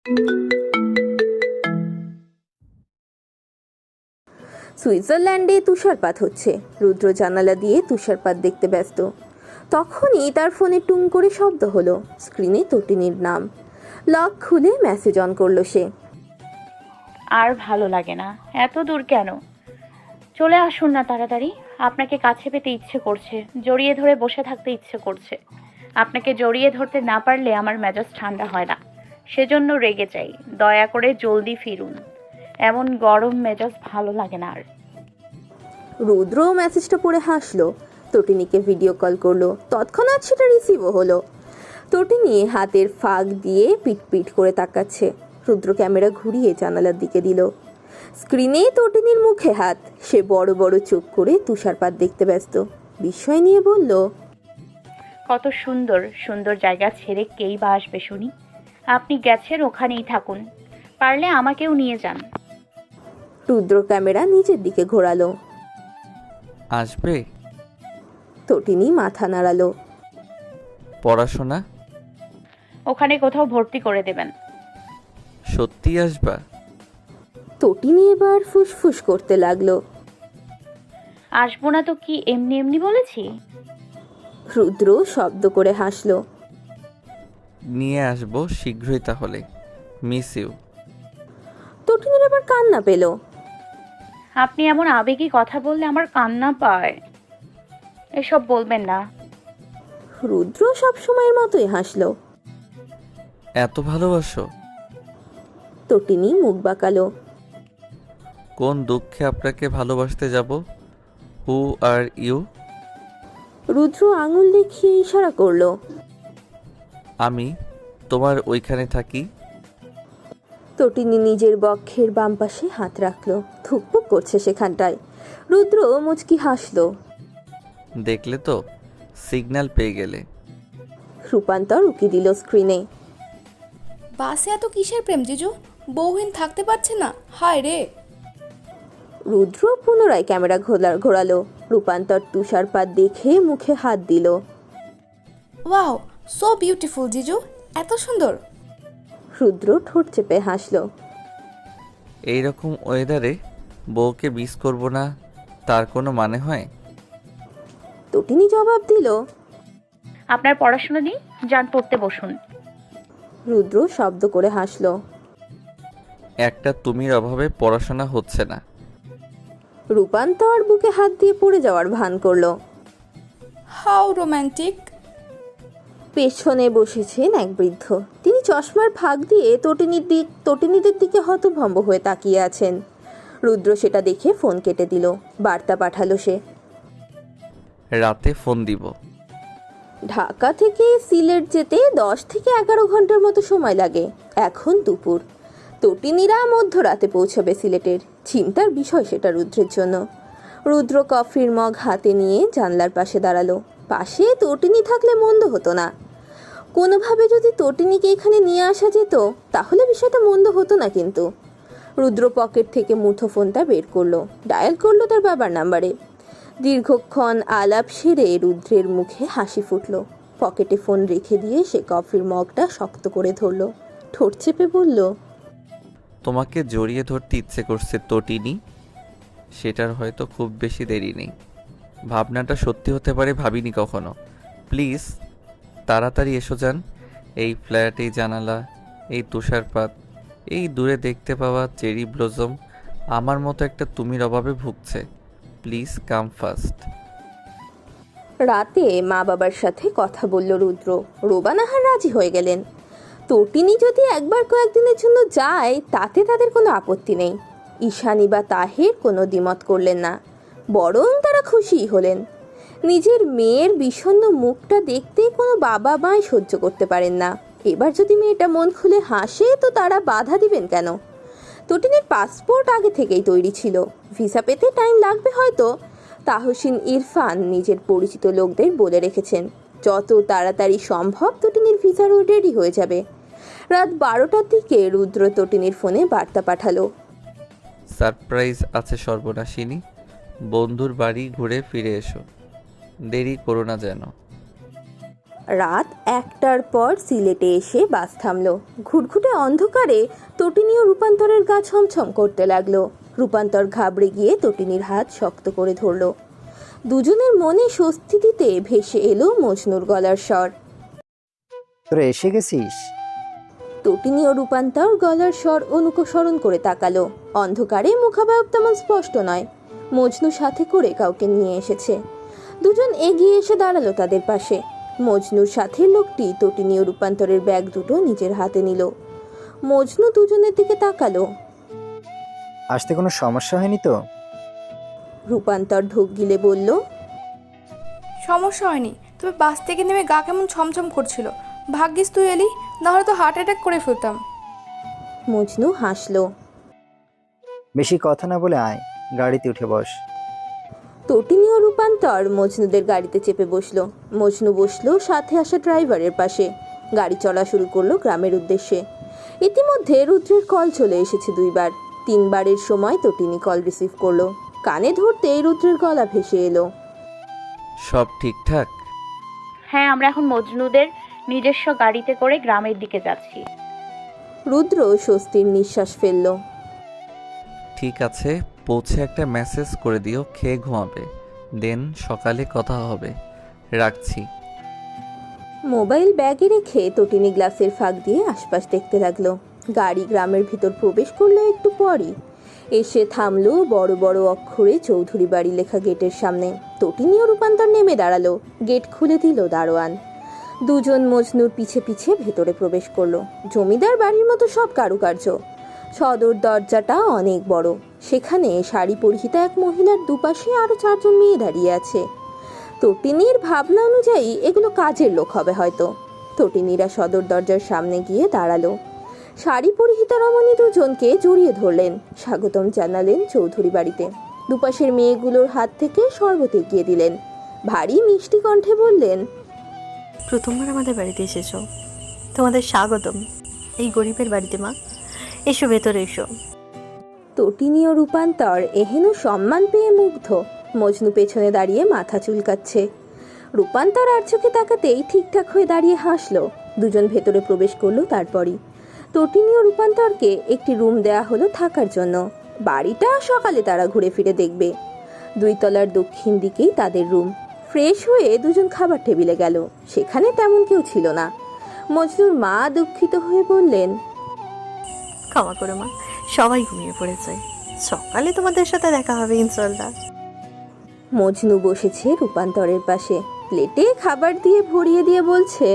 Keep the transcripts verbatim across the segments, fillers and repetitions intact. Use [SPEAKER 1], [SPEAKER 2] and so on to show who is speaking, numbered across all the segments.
[SPEAKER 1] সুইজারল্যান্ডে তুষারপাত হচ্ছে। রুদ্র জানালা দিয়ে তুষারপাত দেখতে ব্যস্ত। তখনই তার ফোনে টুং করে শব্দ হলো। স্ক্রিনে তটিনীর নাম। লক খুলে মেসেজ অন করলো সে।
[SPEAKER 2] আর ভালো লাগে না, এত দূর কেন? চলে আসুন না তাড়াতাড়ি। আপনাকে কাছে পেতে ইচ্ছে করছে, জড়িয়ে ধরে বসে থাকতে ইচ্ছে করছে। আপনাকে জড়িয়ে ধরতে না পারলে আমার মেজাজ ঠান্ডা হয় না, সেজন্য রেগে যাই। দয়া করে জলদি ফিরুন, এমন গরম মেজাজ ভালো লাগে না আর।
[SPEAKER 1] রুদ্র মেসেজটা পড়ে হাসলো। তটিনীকে ভিডিও কল করলো। তৎক্ষণাৎ সেটা রিসিভও হলো। তটিনী হাতের ফাঁক দিয়ে পিট পিট করে তাকাচ্ছে। রুদ্র ক্যামেরা ঘুরিয়ে জানালার দিকে দিল। স্ক্রিনে তটিনীর মুখে হাত। সে বড় বড় চোখ করে তুষারপাত দেখতে ব্যস্ত। বিস্ময় নিয়ে বলল,
[SPEAKER 2] কত সুন্দর সুন্দর জায়গা ছেড়ে কেই বা আসবে শুনি? আপনি গেছেন, ওখানেই থাকুন, পারলে আমাকেও নিয়ে যান।
[SPEAKER 1] রুদ্র ক্যামেরা নিজের দিকে ঘোরালো।
[SPEAKER 3] আসবে?
[SPEAKER 1] তটিনী মাথা নাড়ালো।
[SPEAKER 3] পড়াশোনা?
[SPEAKER 2] ওখানে কোথাও ভর্তি করে দেবেন।
[SPEAKER 3] সত্যি আসবা?
[SPEAKER 1] তটিনী এবার ফুসফুস করতে লাগলো।
[SPEAKER 2] আসবো না তো কি এমনি এমনি বলেছি?
[SPEAKER 1] রুদ্র শব্দ করে হাসলো।
[SPEAKER 3] নিয়ে আসবো শীঘ্রই তাহলে। Miss you.
[SPEAKER 1] তটিনীর এবার কান্না পেল।
[SPEAKER 2] আপনি এমন আবেগী কথা বললে আমার কান্না পায়। এসব বলবেন না।
[SPEAKER 1] রুদ্র সব সময়ের মতোই হাসলো।
[SPEAKER 3] এত ভালোবাসো?
[SPEAKER 1] তটিনী মুখ বাঁকালো।
[SPEAKER 3] কোন দুঃখে আপনাকে ভালোবাসতে যাব? হু আর ইউ?
[SPEAKER 1] রুদ্র আঙুল দেখিয়ে ইশারা করলো।
[SPEAKER 3] আমি তোমার ওইখানে থাকি।
[SPEAKER 1] তটিনী নিজের বক্ষের বাম পাশে হাত রাখলো। থুকপুক করছে সেখানটায়। রুদ্র মুচকি হাসলো।
[SPEAKER 3] দেখলে তো, সিগন্যাল পেয়ে গেলে।
[SPEAKER 1] রূপান্তর উকি দিল স্ক্রিনে।
[SPEAKER 4] বাসে এত কিসের প্রেম জিজু? বউহীন থাকতে পারছে না, হায় রে।
[SPEAKER 1] রুদ্র পুনরায় ক্যামেরা ঘোলা ঘোরালো। রূপান্তর তুষারপাত দেখে মুখে হাত দিল।
[SPEAKER 4] ওয়াও, সো বিউটিফুল জিজু, এত সুন্দর।
[SPEAKER 1] রুদ্র ঠোঁট চেপে হাসলো।
[SPEAKER 3] এইরকম ওয়েদারে বউকে মিস করব না, তার কোনো মানে হয়?
[SPEAKER 1] তটিনী জবাব দিল।
[SPEAKER 2] আপনার পড়াশোনা নেই, যান পড়তে বসুন।
[SPEAKER 1] রুদ্র শব্দ করে হাসলো।
[SPEAKER 3] একটা তুমির অভাবে পড়াশোনা হচ্ছে না।
[SPEAKER 1] রূপান্তর বুকে হাত দিয়ে পড়ে যাওয়ার ভান করলো।
[SPEAKER 4] How romantic.
[SPEAKER 1] পেছনে বসেছেন এক বৃদ্ধ। তিনি চশমার ফাঁক দিয়ে তটিনীর দিক তটিনীদের দিকে হতভম্ব হয়ে তাকিয়ে আছেন। রুদ্র সেটা দেখে ফোন কেটে দিল। বার্তা পাঠালো সে।
[SPEAKER 3] রাতে ফোন দিব।
[SPEAKER 1] ঢাকা থেকে সিলেট যেতে দশ থেকে এগারো ঘন্টার মতো সময় লাগে। এখন দুপুর। তটিনীরা মধ্যরাতে পৌঁছবে সিলেটের। চিন্তার বিষয় সেটা রুদ্রের জন্য। রুদ্র কফির মগ হাতে নিয়ে জানলার পাশে দাঁড়ালো। পাশে তটিনী থাকলে মন্দ হতো না। কোনোভাবে যদি তটিনীকে এখানে নিয়ে আসা যেত তাহলে বিষয়টা মন্দ হতো না। কিন্তু রুদ্র পকেট থেকে মুঠোফোনটা বের করলো। ডায়াল করলো তার বাবার নাম্বারে। দীর্ঘক্ষণ আলাপ সেরে রুদ্রের মুখে হাসি ফুটল। পকেটে ফোন রেখে দিয়ে সে কফির মগটা শক্ত করে ধরলো। ঠোঁট চেপে বলল,
[SPEAKER 3] তোমাকে জড়িয়ে ধরতে ইচ্ছে করছে তটিনী। সেটার হয়তো খুব বেশি দেরি নেই। ভাবনাটা সত্যি হতে পারে, ভাবিনি কখনো। প্লিজ তাড়াতাড়ি এসো যান। এই ফ্ল্যাট, এই জানালা, এই তুষারপাত, এই দূরে দেখতে পাওয়া চেরি ব্লজম আমার মতো একটা তুমির অভাবে ভুগছে। Please come fast.
[SPEAKER 1] রাতে মা বাবার সাথে কথা বলল রুদ্র। রোবানাহার রাজি হয়ে গেলেন। তটিনী যদি একবার কয়েকদিনের জন্য যায় তাতে তাদের কোনো আপত্তি নেই। ঈশানী বা তাহের কোনো দ্বিমত করলেন না, বরং তারা খুশিই হলেন। নিজের মেয়ের বিষণ্ণ মুখটা দেখতে কোনো বাবা মাই সহ্য করতে পারেন না। এবার যদি মেয়েটা মন খুলে হাসে তো তারা বাধা দিবেন কেন? তটিনীর পাসপোর্ট আগে থেকেই তৈরি ছিল। ভিসা পেতে টাইম লাগবে হয়তো। তাহসিন ইরফান নিজের পরিচিত লোকদের বলে রেখেছেন যত তাড়াতাড়ি সম্ভব তটিনীর ভিসারও রেডি হয়ে যাবে। রাত বারোটার দিকে রুদ্র তটিনীর ফোনে বার্তা পাঠালো।
[SPEAKER 3] সারপ্রাইজ আছে সর্বনাশিনী। বন্ধুর বাড়ি ঘুরে ফিরে এসো, দেরি করো না যেন।
[SPEAKER 1] রাত একটার পর সিলেটে এসে বাস থামলো। ঘুটঘুটে অন্ধকারে তটিনী ও রূপান্তরের গা ছমছম করতে লাগলো। রূপান্তর ঘাবড়ে গিয়ে তটিনীর হাত শক্ত করে ধরলো। দুজনের মনে স্বস্তি দিতে ভেসে এলো মজনুর গলার স্বর।
[SPEAKER 5] তোরা এসে গেছিস?
[SPEAKER 1] তটিনী ও রূপান্তর গলার স্বর অনুসরণ করে তাকালো। অন্ধকারে মুখাবয়ব তেমন স্পষ্ট নয়। মজনু সাথে করে কাউকে নিয়ে এসেছে। দুজন এগিয়ে এসে দাঁড়ালো তাদের পাশে। মজনুর সাথে লোকটি তটিনী ও রূপান্তরের ব্যাগ দুটো নিজের হাতে নিল। মজনু দুজনের দিকে তাকালো।
[SPEAKER 5] আসতে কোনো সমস্যা হয়নি তো?
[SPEAKER 1] রূপান্তর ঢোক গিলে বলল,
[SPEAKER 4] সমস্যা হয়নি, তবে বাস থেকে নেমে গা কেমন ছমছম করছিল। ভাগ্যিস তুই এলি, নাহলে তো হার্ট অ্যাটাক করে ফেলতাম।
[SPEAKER 1] মজনু হাসলো।
[SPEAKER 5] বেশি কথা না বলে আয়, গাড়িতে উঠে বস।
[SPEAKER 1] তটিনী ও রূপান্তর মজনুদের গাড়িতে চেপে বসলো। মজনু বসলো সাথে আসা ড্রাইভারের পাশে। গাড়ি চলা শুরু করলো গ্রামের উদ্দেশ্যে। ইতিমধ্যে রুদ্রের কল চলে এসেছে দুইবার। তিনবারের সময় তটিনী কল রিসিভ করলো। কানে ধরতেই রুদ্রের গলা ভেসে এলো,
[SPEAKER 3] সব ঠিকঠাক?
[SPEAKER 2] হ্যাঁ, আমরা এখন মজনুদের নিজস্ব গাড়িতে করে গ্রামের দিকে যাচ্ছি।
[SPEAKER 1] রুদ্র স্বস্তির নিঃশ্বাস ফেলল।
[SPEAKER 3] ঠিক আছে, পৌঁছে একটা মেসেজ করে দিও, খেয়ে ঘুমাবে, দেন সকালে কথা হবে। রাখছি।
[SPEAKER 1] মোবাইল ব্যাগে রেখে তটিনী গ্লাসের ফাঁক দিয়ে আশপাশ দেখতে লাগলো। গাড়ি গ্রামের ভিতর প্রবেশ করলো একটু পরই। এসে থামলো বড় বড় অক্ষরে চৌধুরী বাড়ি লেখা গেটের সামনে। তটিনী ও রূপান্তর নেমে দাঁড়ালো। গেট খুলে দিল দারোয়ান। দুজন মজনুর পিছে পিছে ভেতরে প্রবেশ করলো। জমিদার বাড়ির মতো সব কারুকার্য। সদর দরজাটা অনেক বড়। সেখানে শাড়ি পরিহিতা এক মহিলার দুপাশে আরো চারজন মেয়ে দাঁড়িয়ে আছে। তটিনীর ভাবনা অনুযায়ী এগুলো কাজের লোক হবে হয়তো। তটিনীরা সদর দরজার সামনে গিয়ে দাঁড়ালো। শাড়ি পরিহিতা রমণী দুজনকে জড়িয়ে ধরলেন, স্বাগতম জানালেন চৌধুরী বাড়িতে। দুপাশের মেয়েগুলোর হাত থেকে শরবত এগিয়ে দিলেন। ভারী মিষ্টি কণ্ঠে বললেন,
[SPEAKER 6] প্রথমবার আমাদের বাড়িতে এসেছো, তোমাদের স্বাগতম এই গরিবের বাড়িতে মা। এসো ভেতরে এসো।
[SPEAKER 1] তটিনী ও রূপান্তর এহেন সম্মান পেয়ে মুগ্ধ। মজনু পেছনে দাঁড়িয়ে মাথা চুলকাচ্ছে। রূপান্তর আর চোখে তাকাতেই ঠিকঠাক হয়ে দাঁড়িয়ে হাসলো। দুজন ভেতরে প্রবেশ করলো। তারপরই তটিনী ও রূপান্তরকে একটি রুম দেয়া হলো থাকার জন্য। বাড়িটা সকালে তারা ঘুরে ফিরে দেখবে। দুই তলার দক্ষিণ দিকেই তাদের রুম। ফ্রেশ হয়ে দুজন খাবার টেবিলে গেল। সেখানে তেমন কেউ ছিল না। মজনুর মা দুঃখিত হয়ে বললেন,
[SPEAKER 6] ক্ষমা করো মা, সবাই ঘুমিয়ে পড়েছে, সকালে তোমাদের সাথে দেখা হবে ইনশাল্লাহ।
[SPEAKER 1] মজনু বসেছে রূপান্তরের পাশে। প্লেটে খাবার দিয়ে ভরিয়ে দিয়ে বলছে,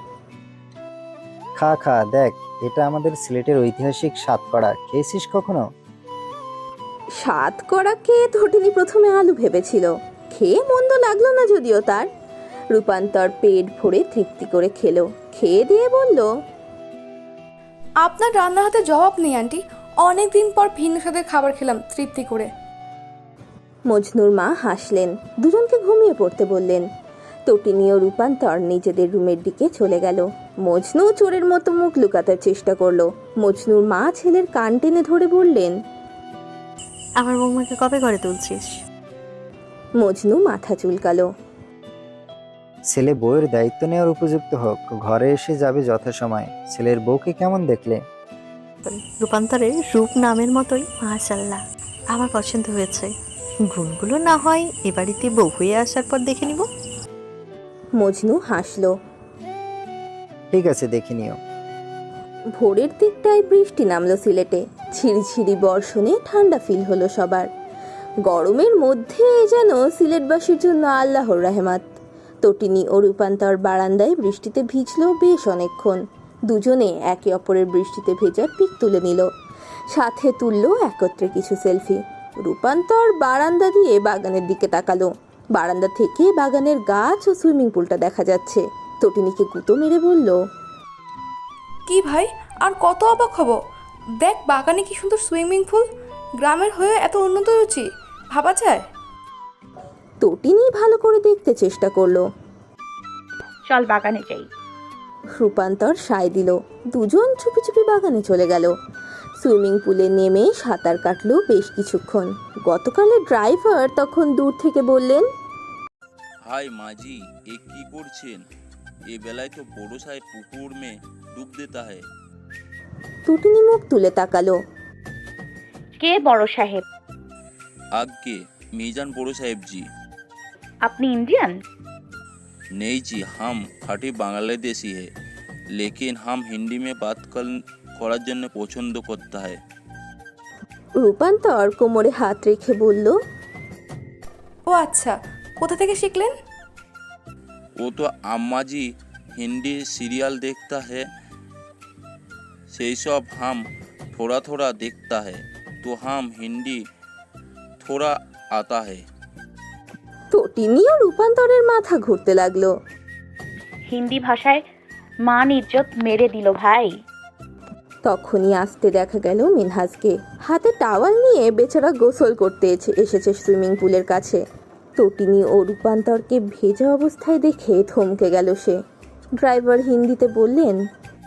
[SPEAKER 5] খা খা, দেখ এটা আমাদের সিলেটের ঐতিহাসিক সাতকড়া, খেয়েছিস কখনো?
[SPEAKER 1] স্বাদ করাকে তটিনী প্রথমে আলু ভেবেছিল। খেয়ে মন্দ লাগলো না যদিও তার। রূপান্তর পেট ভরে তৃপ্তি করে খেলো। খেয়ে দিয়ে বলল,
[SPEAKER 4] আপনার রান্না হাতে জবাব নেই আন্টি, অনেক দিন পর ভিন্ন স্বাদের খাবার খেলাম তৃপ্তি করে।
[SPEAKER 1] মজনুর মা হাসলেন। দুজনকে ঘুমিয়ে পড়তে বললেন। তটিনী ও রূপান্তর নিজেদের রুমের দিকে চলে গেল। মজনু চোরের মতো মুখ লুকাতে চেষ্টা করলো। মজনুর মা ছেলের কান টেনে ধরে বললেন,
[SPEAKER 6] আমার বৌমাকে কবে ঘরে তুলছিস?
[SPEAKER 1] মজনু মাথা চুলকালো।
[SPEAKER 5] ছেলে বউয়ের দায়িত্ব নেওয়ার উপযুক্ত হোক, ঘরে এসে যাবে যথাসময়। ছেলের বউকে কেমন দেখলে?
[SPEAKER 6] রূপান্তরের রূপ নামের মতোই মাশাআল্লাহ, আমার পছন্দ হয়েছে। গুণগুলো না হয় এ বাড়িতে বউ হয়ে আসার পর দেখে নিব।
[SPEAKER 1] মজনু হাসলো।
[SPEAKER 5] ঠিক আছে, দেখে নিও।
[SPEAKER 1] ভোরের দিকটায় বৃষ্টি নামলো সিলেটে। ঝিরিঝিরি বর্ষণে ঠান্ডা ফিল হলো সবার। গরমের মধ্যে যেন সিলেটবাসীর জন্য আল্লাহর রহমত। তটিনী ও রূপান্তর বারান্দায় বৃষ্টিতে ভিজলো বেশ অনেকক্ষণ। দুজনে একে অপরের বৃষ্টিতে ভেজার পিক তুলে নিল। সাথে তুললো একত্রে কিছু সেলফি। রূপান্তর বারান্দা দিয়ে বাগানের দিকে তাকালো। বারান্দা থেকে বাগানের গাছ ও সুইমিং পুলটা দেখা যাচ্ছে। তটিনীকে গুঁতো মেরে বলল,
[SPEAKER 4] কি ভাই, আর কত অবাক হব? দেখ বাগানে কি সুন্দর সুইমিং পুল। গ্রামের হয়ে এত উন্নত রুচি, ভাবা যায়?
[SPEAKER 1] তটিনী ভালো করে দেখতে চেষ্টা করলো।
[SPEAKER 2] চল বাগানে যাই।
[SPEAKER 1] রূপান্তর সায় দিল। দুজন চুপি চুপি বাগানে চলে গেল। সুইমিং পুলে নেমে সাঁতার কাটলো বেশ কিছুক্ষণ। গতকালের ড্রাইভার তখন দূর থেকে বললেন,
[SPEAKER 7] হাই মাঝি, এ কি করছেন? ये बेलाয় तो बड़ो साहेब पुकुर में डूब देता है।
[SPEAKER 1] তটিনী মুখ তুলে তাকালো।
[SPEAKER 2] কে বড় সাহেব?
[SPEAKER 7] आगे मीजान बड़ो साहेब जी।
[SPEAKER 2] আপনি ইন্ডিয়ান?
[SPEAKER 7] नहीं जी, हम खाटी बांग्लादेशी है, लेकिन हम हिंदी में बात कर করার জন্য পছন্দ করता है।
[SPEAKER 1] রূপান্তর কোমরে হাত রেখে বলল,
[SPEAKER 4] ও আচ্ছা, কোথা থেকে শিখলেন?
[SPEAKER 7] वो तो अम्मा जी हिंदी सीरियल देखता है, সেই সব हम थोड़ा थोड़ा देखता है, तो हम हिंदी थोड़ा आता है।
[SPEAKER 1] তটিনীও রূপান্তরের মাথা ঘুরতে লাগলো।
[SPEAKER 2] হিন্দি ভাষায় মান ইজ্জত মেরে দিল ভাই।
[SPEAKER 1] তখনই আসতে দেখা গেল মিনহাজকে। হাতে টাওয়াল নিয়ে বেচারা গোসল করতে এসে- এসেছে সুইমিং পুলের কাছে। তটিনী ও রূপান্তরকে ভেজা অবস্থায় দেখে থমকে গেল সে। ড্রাইভার হিন্দিতে বললেন,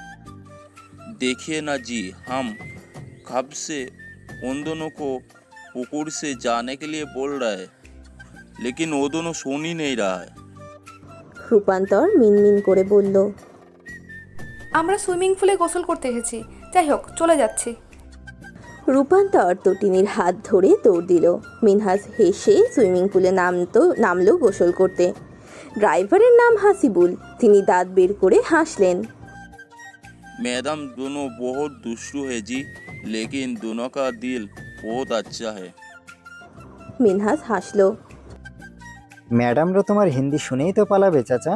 [SPEAKER 7] देखिए ना जी, हम कब से उन दोनों को पुकुर से जाने के लिए बोल रहा है, लेकिन वो दोनों सुन ही नहीं रहा है।
[SPEAKER 1] রূপান্তর মিনমিন করে বলল,
[SPEAKER 4] আমরা সুইমিং পুলে গোসল করতে এসেছি। যাই হোক, চলে যাচ্ছি।
[SPEAKER 1] রূপান্তর তটিনীর হাত ধরে দৌড় দিল। মিনহাজ হেসে সুইমিং পুলে নামতো নামলো গোসল করতে। ড্রাইভারের নাম হাসিবুল। তিনি দাঁত বের করে হাসলেন।
[SPEAKER 7] मैडम दोनों बहुत दुष्टू है जी, लेकिन दोनों का दिल बहुत अच्छा है।
[SPEAKER 1] মিনহাজ হাসলো।
[SPEAKER 5] ম্যাডামরা তোমার হিন্দি শুনেই তো পালাবে চাচা।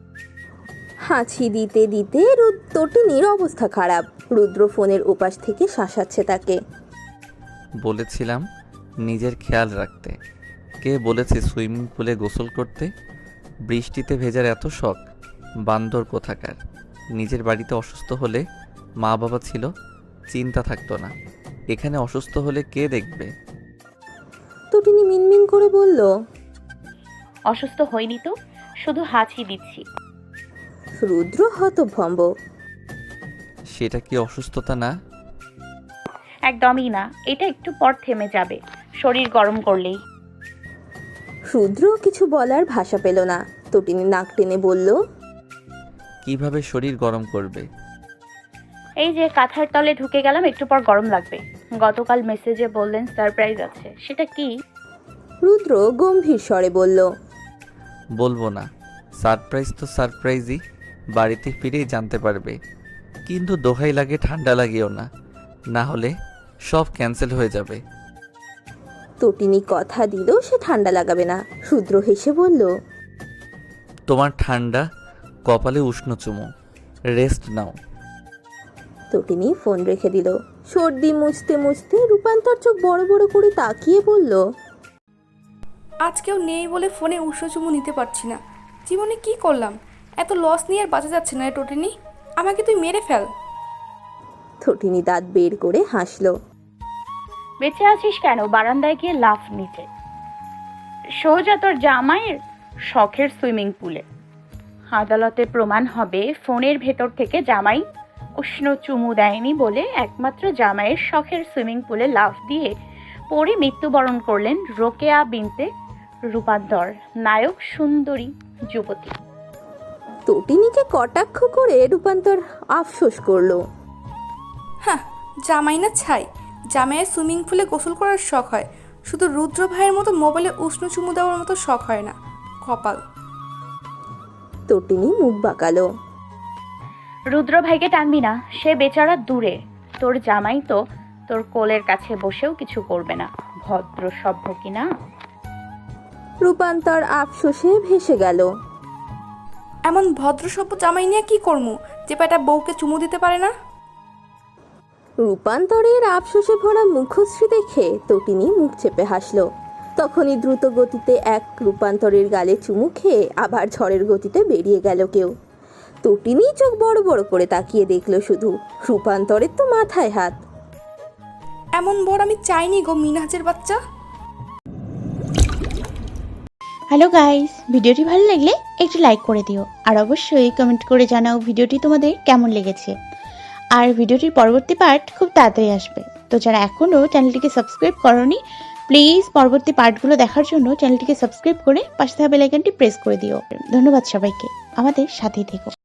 [SPEAKER 1] হাঁচি দিতে দিতে রুদ তটিনীর অবস্থা খারাপ। রুদ্র ফোনের ওপাশ থেকে শাসাচ্ছে তাকে।
[SPEAKER 3] বলেছিলাম নিজের খেয়াল রাখতে। কে বলেছে সুইমিং পুলে গোসল করতে? বৃষ্টিতে ভেজার এত শখ? বান্দর কোথাকার। নিজের বাড়িতে অসুস্থ হলে মা বাবা ছিল, চিন্তা থাকতো না। এখানে অসুস্থ হলে কে দেখবে?
[SPEAKER 1] তটিনী মিনমিন করে বলল,
[SPEAKER 2] অসুস্থ হইনি তো, শুধু হাঁচি দিচ্ছি।
[SPEAKER 1] রুদ্র হতভম্ব।
[SPEAKER 3] সেটা কি অসুস্থতা না?
[SPEAKER 2] একদমই না, এটা একটু পর থেমে যাবে, শরীর গরম করলেই।
[SPEAKER 1] রুদ্র কিছু বলার ভাষা পেল না। তটিনী নাক টেনে বলল,
[SPEAKER 3] কিভাবে শরীর গরম করবে?
[SPEAKER 2] এই যে কাঁথার তলে ঢুকে গেলাম, একটু পর গরম লাগবে। গতকাল মেসেজে বললেন সারপ্রাইজ আছে, সেটা কি?
[SPEAKER 1] রুদ্র গম্ভীর স্বরে বলল,
[SPEAKER 3] বলবো না। সারপ্রাইজ তো সারপ্রাইজই, বাড়িতে ফিরেই জানতে পারবে। কিন্তু দোহাই লাগে ঠান্ডা লাগিও না, না হলে সব ক্যান্সেল হয়ে যাবে।
[SPEAKER 1] তটিনী কথা দিল সে ঠান্ডা লাগাবে না। রুদ্র হেসে বলল,
[SPEAKER 3] তোমার ঠান্ডা কপালে উষ্ণ চুমু, রেস্ট নাও।
[SPEAKER 1] তটিনী ফোন রেখে দিল। সর্দি মুছতে মুছতে রূপান্তর চোখ বড় বড় করে তাকিয়ে বলল,
[SPEAKER 4] আজ কেউ নেই বলে ফোনে উষ্ণ চুমু নিতে পারছি না। জীবনে কি করলাম? এত লস নিয়ে আর বাঁচা যাচ্ছে না রে টোটিনি। আমাকে তুই মেরে ফেল।
[SPEAKER 1] তটিনী দাঁত বের করে হাসল।
[SPEAKER 2] বেঁচে আছিস কেন? বারান্দায় গিয়ে লাফ নিচে, সোজা তোর জামাইয়ের শখের সুইমিং পুলে। আদালতে প্রমাণ হবে ফোনের ভেতর থেকে জামাই উষ্ণ চুমু দেয়নি বলে একমাত্র জামাইয়ের শখের সুইমিং পুলে লাফ দিয়ে পড়ে মৃত্যুবরণ করলেন রোকেয়া বিনতে রূপান্তর, নায়ক সুন্দরী যুবতী।
[SPEAKER 1] তটিনীকে কটাক্ষ করে রূপান্তর আফসোস করলো।
[SPEAKER 4] হ্যাঁ, জামাই না ছাই। জামাইয়ের সুইমিং পুলে গোসল করার শখ হয়, শুধু রুদ্র ভাইয়ের মতো মোবাইলে উষ্ণ চুমু দেওয়ার মতো শখ হয় না। কপাল।
[SPEAKER 1] তটিনী মুখ বাঁকালো।
[SPEAKER 2] রুদ্র ভাইকে টানবি না, সে বেচারা দূরে। তোর জামাই তো তোর কোলের কাছে বসেও কিছু করবে না, ভদ্র সভ্য কিনা।
[SPEAKER 1] রূপান্তর আফসোসে ভেসে গেল।
[SPEAKER 4] এমন ভদ্রসভ্য জামাই নিয়ে কি করমু যে পেটা বউকে চুমু দিতে পারে না?
[SPEAKER 1] রূপান্তরের আফসোসে ভরা মুখশ্রী দেখে তটিনী মুখ চেপে হাসল। তখনই দ্রুত গতিতে এক রূপান্তরের গালে চুমু খেয়ে আবার ঝড়ের গতিতে বেরিয়ে গেল কেউ। তটিনী চোখ বড় বড় করে তাকিয়ে দেখল শুধু। রূপান্তরের তো মাথায় হাত।
[SPEAKER 4] এমন বর আমি চাইনি গো মিনহাজের বাচ্চা।
[SPEAKER 8] হ্যালো গাইস, ভিডিওটি ভালো লাগলে একটু লাইক করে দিও, আর অবশ্যই কমেন্ট করে জানাও ভিডিওটি তোমাদের কেমন লেগেছে। আর ভিডিওটির পরবর্তী পার্ট খুব তাড়াতাড়ি আসবে, তো যারা এখনও চ্যানেলটিকে সাবস্ক্রাইব করোনি প্লিজ পরবর্তী পার্টগুলো দেখার জন্য চ্যানেলটিকে সাবস্ক্রাইব করে পাশে থাকা বেল আইকনটি প্রেস করে দিও। ধন্যবাদ সবাইকে, আমাদের সাথেই থেকো।